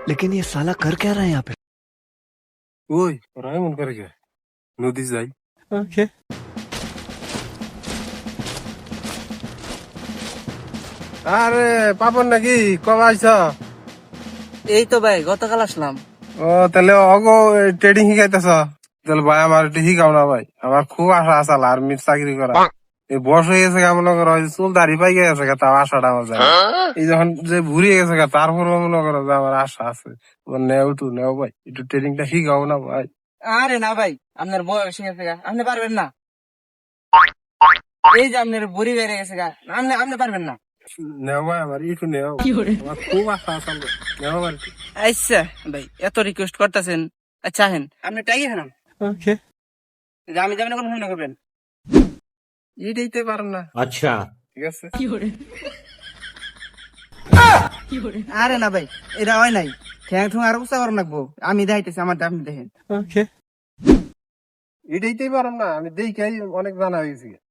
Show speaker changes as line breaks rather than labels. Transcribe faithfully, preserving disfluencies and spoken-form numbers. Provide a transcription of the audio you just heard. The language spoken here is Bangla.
लेकिन ये साला कर क्या रहा है यहाँ पे?
ওই ওরা এমন করে কে নদী যাই
ओके
আরে পাপন নাকি কবে আইছ?
এই তো ভাই গতকাল আসলাম।
ও তাহলে অগো ট্রেডিং শিখাইতেছ? তাহলে ভাই আমার একটু শিখাও না ভাই, আমার খুব আশা আছে আর্মির চাকরি করা। এই বয়স হয়ে গেছে গা, মনে করো চুল দাড়ি পাই গেছে গা, তাও আশাটা আমার যায় না। এই যখন যে ভুরিয়ে গেছে গা, তারপরে মনে করো যে আমার আশা আছে। নেও টু নেও ভাই, একটু ট্রেনিংটা শিখাও না ভাই।
আরে না ভাই, আপনার বয়স হয়ে গেছে গা, আপনি পারবেন না। এই যে আপনার বুড়ি বেড়ে গেছে গা, আপনি আপনি পারবেন না।
নেও ভাই, আমার একটু নেও, আমার খুব আশা আছে। নেও ভাই একটু।
আচ্ছা ভাই, এত রিকোয়েস্ট করতেছেন, আচ্ছা হেন আপনি টাইগে হেন,
ओके
আমি যাবেন কোনো ফোন করবেন।
এইটাইতে পারেন না,
अच्छा
ঠিক আছে?
আরে না ভাই, এটা হয় নাই, ঠ্যাং ঠুং আরো উৎসাহ করেন লাগবো। আমি দেখাইতেছি আমার আপনি দেখেন।
ओके
এইটাইতেই পারেন না, আমি দেখি অনেক জানা হয়ে গেছি।